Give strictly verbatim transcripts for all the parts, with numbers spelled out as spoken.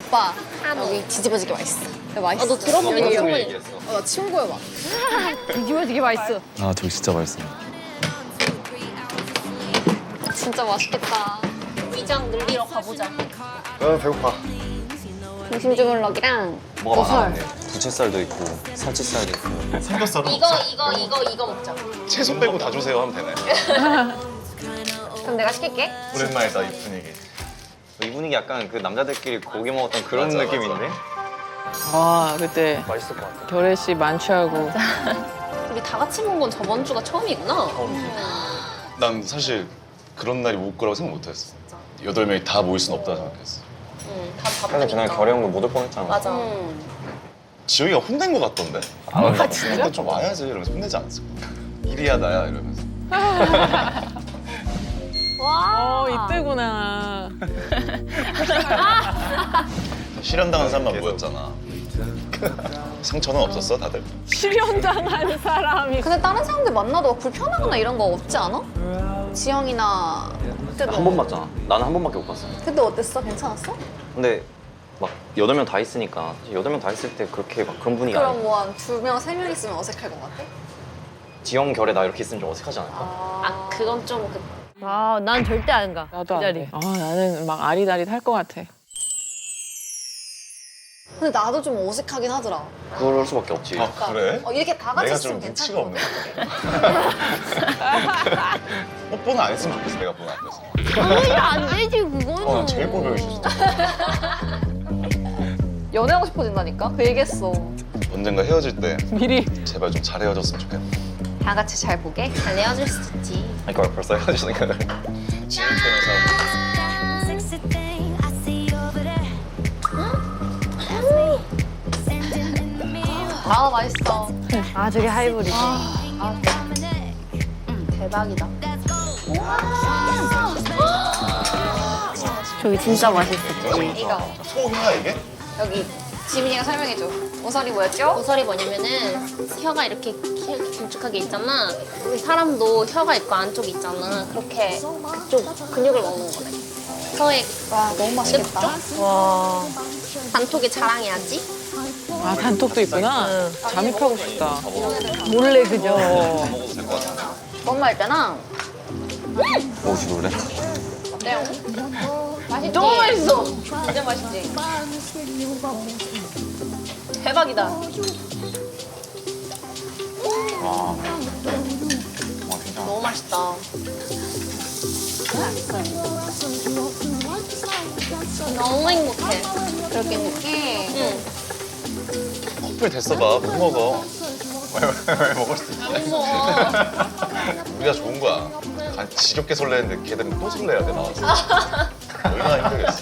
오빠 여기 뒤집어지게 맛있어. 야, 맛있어. 아, 너 들어보긴 여기 했어. 여기. 어, 나 치운 거야 막. 뒤집어지게 맛있어. 아 저기 진짜 맛있어. 진짜 맛있겠다. 위장 늘리러 가보자. 아 배고파. 중심 주물럭이랑 뭐가 버설. 많았네. 부채살도 있고 살치살도 있고. 삼겹살은 이거 없어. 이거 이거 이거 먹자. 채소 빼고 다 주세요 하면 되네. 그럼 내가 시킬게. 오랜만이다 이 분위기. 이 분위기 약간 그 남자들끼리 고기 먹었던 그런 맞아, 느낌인데? 아 그때 맛있을 것 같아. 결혜 씨 만취하고. 우리 다 같이 먹은 건 저번 주가 처음이구나. 난 사실 그런 날이 올 거라고 생각 못했어. 여덟 명이 다 모일 순 없다 생각했어. 응, 다 근데 바쁘니까. 그날 결혜 형도 못 올 뻔했잖아. 맞아. 음. 지영이가 혼낸 것 같던데. 아, 진짜? 좀 와야지 이러면서 혼내지 않았어. 일이야 나야 이러면서. 어 이때구나. 실현당한 사람만 모였잖아. 상처는 없었어 다들? 실현당한 사람이. 근데 다른 사람들 만나도 막 불편하거나 이런 거 없지 않아? 지영이나 그때도 한 번 봤잖아. 나는 한 번밖에 못 봤어. 그때 어땠어? 괜찮았어? 근데 막 여덟 명 다 있으니까 여덟 명 다 있을 때 그렇게 막 그런 분위기 그럼 아니야. 뭐 한 두 명, 세 명 있으면 어색할 것 같아? 지영 결혜 나 이렇게 있으면 좀 어색하지 않을까? 아 그건 좀 그. 아, 난 절대 안 가. 나도 그 안 자리. 돼. 아 나는 막 아리다리 탈 것 같아. 근데 나도 좀 어색하긴 하더라. 그럴 수밖에 없지. 아 그래? 어, 이렇게 다 같이 내가 있으면 좀 괜찮을 눈치가 것 같아. 없네. 뽀뽀는 안 했으면 좋겠어 내가 보는 앞에서. 당연히 안 되지, 그거는. 어, 난 제일 꼴보기 싫어. 연애하고 싶어진다니까? 그 얘기했어. 언젠가 헤어질 때 미리. 제발 좀 잘 헤어졌으면 좋겠다. 다 같이 잘 보게. 잘 헤어질 수도 있지. 그러니까 벌써 헤어지니까. 지영 때문에 아, 맛있어. 아, 저게 하이볼이지. 대박이다. 저기 진짜 맛있었지. 이거. 소희야 이게? 여기 지민이가 설명해줘. 오설이 뭐였죠? 보설이 뭐냐면은 혀가 이렇게 기- 길쭉하게 있잖아. 우리 사람도 혀가 있고 안쪽이 있잖아. 그렇게 그쪽 근육을 먹는 거래. 혀의 와, 너무 맛있겠다. 와. 단톡에 자랑해야지. 아 단톡도 있구나. 잠입하고 싶다. 몰래 그죠? 어. 먹어도 될 것 같아. 엄마 할 때랑 혹시 놀래? 어때요? 맛있지? 너무 맛있어. 진짜 맛있지? 대박이다. 와. 와 괜찮아. 너무 맛있다. 너무 행복해. 그렇게 행복해. 응. 커플 됐어봐. 못 먹어. 왜 먹을 수 있지? 안 먹어. 우리가 좋은 거야. 간 지겹게 설레는데 걔들은 또 설레야 돼 나와서. 얼마나 힘들겠어.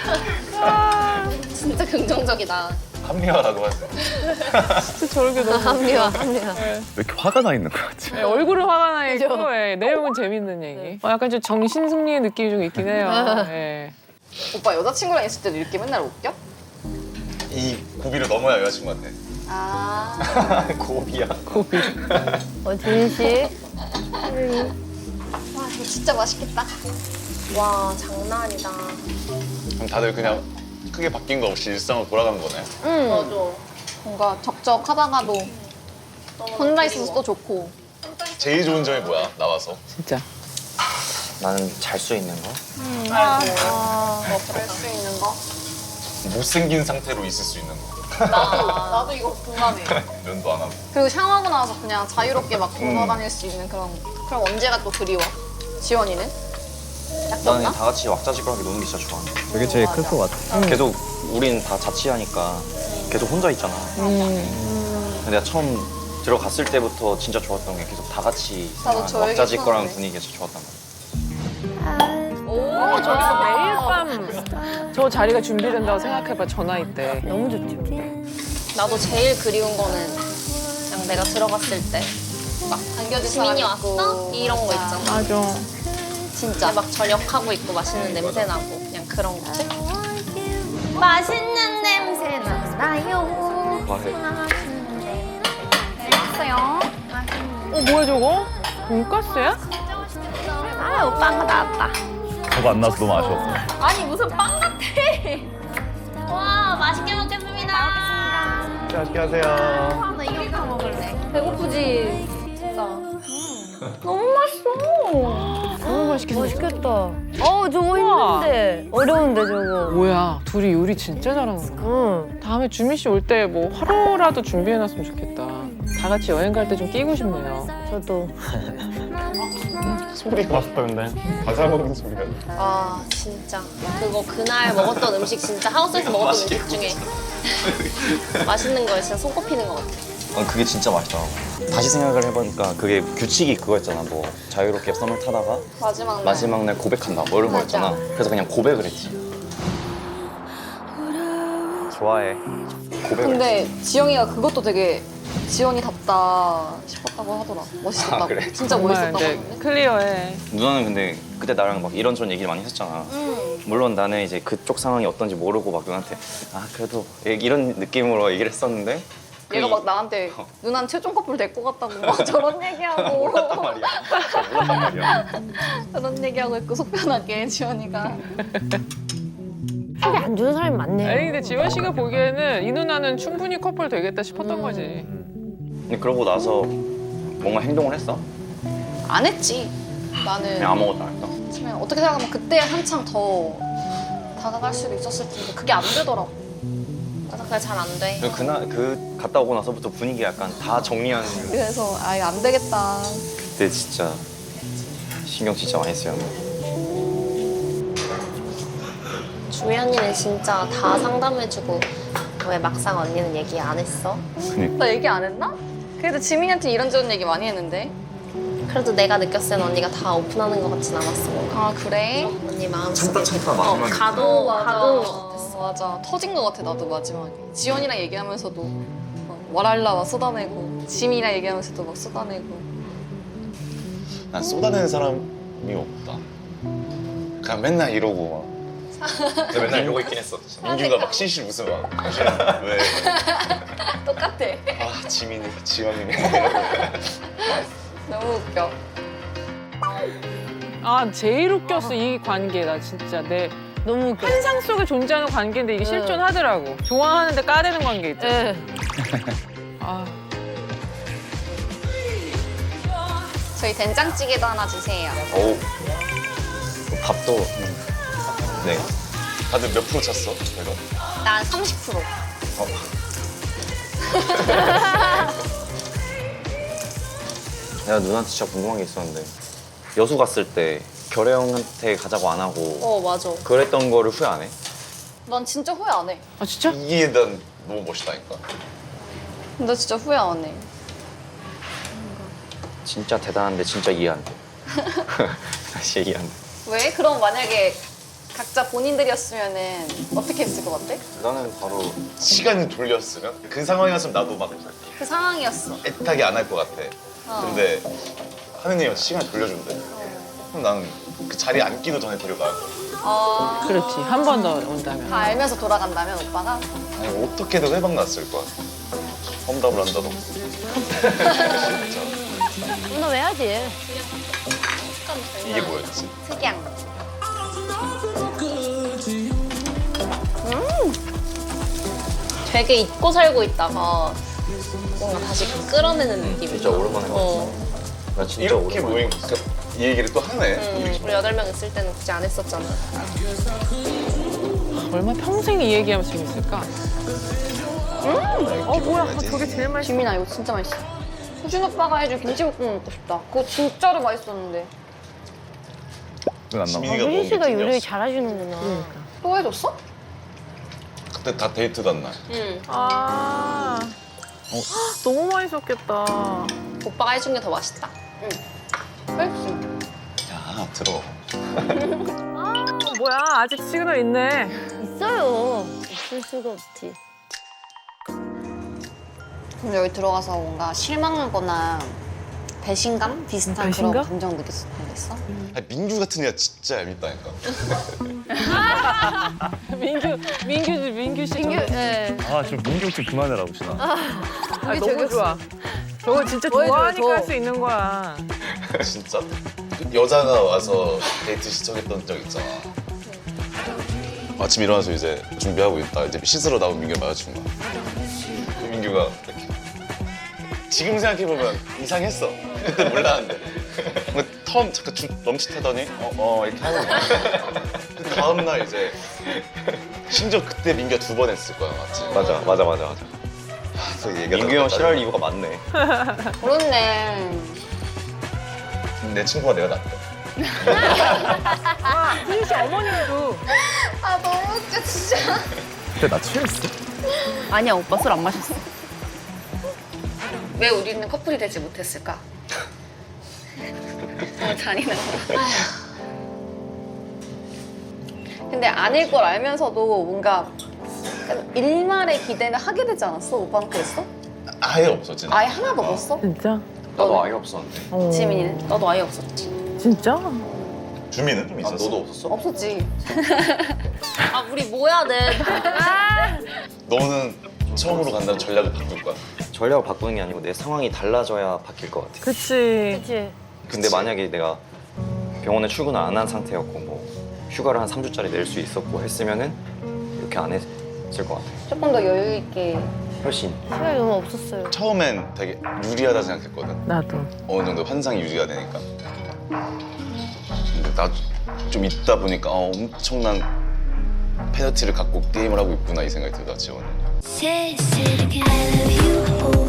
진짜 긍정적이다. 합리화라고 하지. 진짜 저렇게 너무. 합리화, 합리화. 왜 이렇게 화가 나 있는 거야 지금? 네, 얼굴은 화가 나 있고 예, 내용은 재밌는 얘기. 어, 약간 좀 정신 승리의 느낌이 좀 있긴 해요. 예. 오빠 여자친구랑 있을 때도 이렇게 맨날 웃겨? 이 고비를 넘어야 여자친구한테. 아. 고비야. 고비. 어, 진실. 와, 이거 진짜 맛있겠다. 와 장난 아니다. 그럼 다들 그냥 크게 바뀐 거 없이 일상으로 돌아가는 거네. 응. 맞아. 뭔가 적적하다가도 혼자 있어서 또 좋고. 제일 좋은 점이 뭐야? 나와서. 진짜. 나는 잘 수 있는 거? 뭐 그럴 수 있는 거? 못생긴 상태로 있을 수 있는 거. 나도, 나도 이거 공감해. 면도 안 하고. 그리고 샤워하고 나와서 그냥 자유롭게 막 돌아다닐 수 있는 그런. 그럼 언제가 또 그리워? 지원이는? 약도 나는 없나? 다 같이 왁자지껄하게 노는 게 진짜 좋아. 그게 제일 클 것 같아. 계속 우린 다 자취하니까 계속 혼자 있잖아. 음. 근데 내가 처음 들어갔을 때부터 진짜 좋았던 게 계속 다 같이 나도 있으면 저 얘기 왁자지껄한 처음에. 분위기가 진짜 좋았단 말이야. 어, 저기서 매일 밤 저 자리가 준비된다고 생각해봐 저 나이 때. 너무 좋죠. 나도 제일 그리운 거는 그냥 내가 들어갔을 때 막 안겨줄 지민이 사람 있고. 왔어? 이런 거 있잖아. 맞아. 진짜 막 저녁하고 있고 맛있는 냄새 나고 그냥 그런 거지. 맛있는 냄새 나요. 과해. 왔어요. 어 뭐야 저거? 돈가스야? 아, 오빠가 나왔다. 저거 안 나와서 너무 아쉬웠어. 아니 무슨 빵 같아. 와 맛있게 하세요. 나 이거 먹을래. 배고프지? 너무 맛있어. 너무 맛있겠어. 맛있겠다. 어, 저거 힘든데. 어려운데, 저거. 뭐야, 둘이 요리 진짜 잘하는 거야. 응. 다음에 주민 씨 올 때 뭐 하루라도 준비해놨으면 좋겠다. 다 같이 여행 갈 때 좀 끼고 싶네요. 저도. 소리가 왔다 근데 과자 먹는 소리가. 아 진짜 그거 그날 먹었던 음식 진짜 하우스에서 먹었던 맛있게 음식 중에 맛있는 거에 진짜 손꼽히는 것 같아. 어, 그게 진짜 맛있더라고. 다시 생각을 해보니까 그게 규칙이 그거였잖아. 뭐 자유롭게 썸을 타다가 마지막 날. 마지막 날 고백한다 뭐 이런 맞아. 거였잖아. 그래서 그냥 고백을 했지. 좋아해. 고백을 근데 지영이가 그것도 되게 지연이답다 싶었다고 하더라. 멋있었다고. 아, 그래? 진짜 정말 멋있었다고 이제 하는데. 클리어해. 누나는 근데 그때 나랑 막 이런저런 얘기를 많이 했었잖아. 음. 물론 나는 이제 그쪽 상황이 어떤지 모르고 막 누나한테 아 그래도 이런 느낌으로 얘기를 했었는데 얘가 그 막 나한테 누난 최종 커플 될 것 같다고 막 저런 얘기하고 몰랐단 말이야. 몰랐단 말이야. 그런 얘기하고 있고 속편하게 지연이가. 속이 안 좋은 사람이 많네요. 아니 근데 지원 씨가 보기에는 이 누나는 충분히 커플 되겠다 싶었던 거지. 근데 그러고 나서 뭔가 행동을 했어? 안 했지. 나는 그냥 아무것도 안 했어. 그냥 어떻게 생각하면 그때 한창 더 다가갈 수도 있었을 텐데 그게 안 되더라고. 맞아 그게 잘 안 돼. 그 그날 그 갔다 오고 나서부터 분위기 약간 다 정리하는. 그래서 아 이거 안 되겠다. 그때 진짜 신경 진짜 많이 써요. 주희 언니는 진짜 다 상담해주고 왜 막상 언니는 얘기 안 했어? 나 얘기 안 했나? 그래도 지민이한테 이런저런 얘기 많이 했는데. 그래도 내가 느꼈을 땐 언니가 다 오픈하는 것 같진 않았어. 뭔가. 아 그래? 언니 마음속에 참다 어, 마지막에 가도 맞아. 가도 못했어. 맞아. 터진 것 같아 나도 마지막에. 지연이랑 얘기하면서도 막 와랄라 막 쏟아내고 지민이랑 얘기하면서도 막 쏟아내고. 난 쏟아내는 사람이 없다. 그냥 맨날 이러고 막. 근데 맨날 이러고 있긴 했어. 민규가 막 실실 웃으면 막 왜? 똑같아. 아 지민이, 지원이네. 너무 웃겨. 아 제일 웃겼어 이 관계. 나 진짜 내 너무 웃겨. 환상 속에 존재하는 관계인데 이게 실존하더라고. 좋아하는데 까대는 관계 있잖아. 예. 아, 저희 된장찌개도 하나 주세요. 오. 밥도 음. 네. 다들 몇 프로 찼어? 내가. 난 삼십 퍼센트. 어. 내가 누나한테 진짜 궁금한 게 있었는데 여수 갔을 때 결혜 형한테 가자고 안 하고 어 맞아. 그랬던 거를 후회 안 해? 난 진짜 후회 안 해. 아 진짜? 이게 난 너무 멋있다니까. 나 진짜 후회 안 해. 진짜 대단한데 진짜 이해 안 돼. 다시 이해 안 돼. 왜? 그럼 만약에 각자 본인들이었으면은 어떻게 했을 것 같아? 나는 바로 시간을 돌렸으면 그 상황이었으면 나도 막 그 상황이었어. 애타게 안 할 것 같아. 어. 근데 하느님이 시간을 돌려준대. 그럼 나는 그 자리에 앉기도 전에 데려가야 돼. 어... 그렇지. 한 번 더 온다면. 다 알면서 돌아간다면 오빠가? 아니 어떻게든 회방 났을 거야. 험담을 한다도. 진짜. 누나 왜 하지? 이게 뭐였지? 특이한. 되게 잊고 살고 있다가 뭔가 다시 끌어내는 느낌이. 진짜 오랜만에 어. 나 진짜 이렇게 오랜만에 모인 그이 얘기를 또 하네. 응, 우리 여덟 명 있을 때는 굳이 안 했었잖아. 얼마 평생 이 얘기하면 재밌을까? 어 뭐야? 아, 저게 제일 맛있어. 지민아 이거 진짜 맛있어. 수진 오빠가 해준 김치볶음 먹고 싶다. 그거 진짜로 맛있었는데. 안 아, 지민이가 수진 먹은 씨가 게 요리 찐이었어. 잘하시는구나. 또 해줬어? 그때 다 데이트 간 날. 응. 아 어? 너무 맛있었겠다. 오빠가 해준 게 더 맛있다. 맛있어. 야 들어. 어, 뭐야? 아직 시그널 있네. 있어요. 없을 수가 없지. 그럼 여기 들어가서 뭔가 실망하거나 배신감 비슷한 배신감? 그런 감정 느꼈, 느꼈어? 아니, 민규 같은 애가 진짜 얄밉다니까. 민규 민규 민규 씨. 민규, 저거- 네. 아, 좀 민규 좀 그만해라고, 신아. 아, 너무 좋아. 저거 진짜 뭐 해줘요, 좋아하니까 저. 할 수 있는 거야. 진짜 여자가 와서 데이트 시청했던 적 있잖아. 아침 일어나서 이제 준비하고 있다. 이제 씻으러 나온 민규를 마주친 거야. 그 민규가 민규가 이렇게 지금 생각해보면 이상했어. 그때 몰랐는데. 근데 처음 잠깐 주, 멈칫하더니 어, 어 이렇게 하는 거야. 그 다음날 이제 심지어 그때 민규가 두 번 했을 거야, 맞지? 맞아 맞아 맞아 맞아. 또 얘기가 민규 형 더 싫어할 이유가 많네. 그렇네. 내 친구가 내가 낫다. 승희 씨 어머님도 아 너무 웃겨 진짜. 그때 나 취했어? 아니야 오빠 술 안 마셨어. 왜 우리는 커플이 되지 못했을까? 너무 잔인한 거. 근데 아닐 걸 알면서도 뭔가 약간 일말의 기대는 하게 되지 않았어? 오빠는 그랬어? 아예 없었지. 아예 하나도 없었어? 진짜? 나도 아예 없었는데. 어. 지민이는? 너도 아예 없었지. 진짜? 주민은 좀 아, 있었어. 너도 없었어? 없었지. 아 우리 뭐 해야 돼? 너는 처음으로 간다는 전략을 바꿀 거야. 전략을 바꾸는 게 아니고 내 상황이 달라져야 바뀔 것 같아. 그치. 그치. 근데 만약에 내가 병원에 출근을 안 한 상태였고 뭐 휴가를 한 삼 주짜리 낼 수 있었고 했으면은 이렇게 안 했을 것 같아. 조금 더 여유 있게. 훨씬. 시간이 너무 없었어요. 처음엔 되게 유리하다 생각했거든. 나도. 어느 정도 환상이 유지가 되니까. 근데 나 좀 있다 보니까 어, 엄청난 페널티를 갖고 게임을 하고 있구나 이 생각이 들다 지원은. Say, say it again, I love you. Oh.